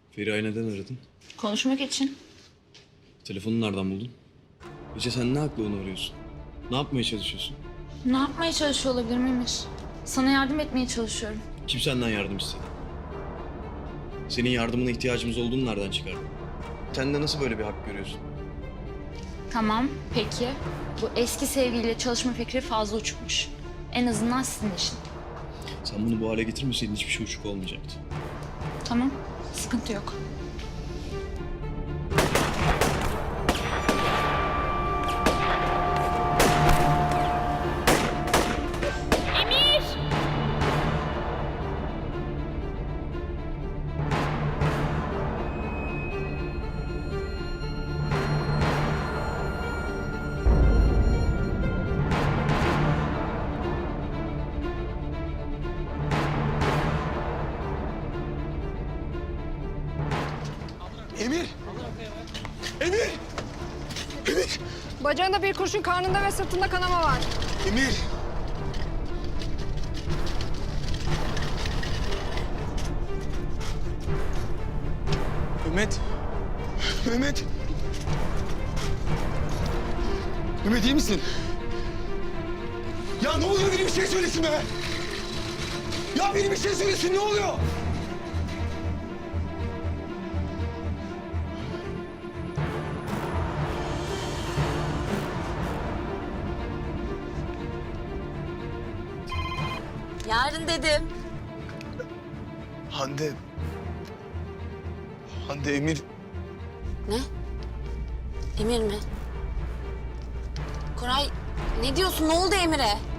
Feriha'yı neden aradın? Konuşmak için. Telefonu nereden buldun? Ece sen ne hakla onu arıyorsun? Ne yapmaya çalışıyorsun? Ne yapmaya çalışıyor olabilirim Emir? Sana yardım etmeye çalışıyorum. Kim senden yardım istedi? Senin yardımına ihtiyacımız olduğunu nereden çıkardın? Sen de nasıl böyle bir hak görüyorsun? Tamam, peki. Bu eski sevgiliyle çalışma fikri fazla uçukmuş. En azından sizin için. Sen bunu bu hale getirmeseydin hiçbir şey uçuk olmayacaktı. Tamam, sıkıntı yok. Emir! Emir! Emir! Bacağında bir kurşun, karnında ve sırtında kanama var. Emir! Mehmet! Mehmet! Mehmet iyi misin? Ya ne oluyor? Biri bir şey söylesin be! Ya biri bir şey söylesin, ne oluyor? Yarın dedim. Hande... Hande, Emir... Ne? Emir mi? Koray, ne diyorsun? Ne oldu Emir'e?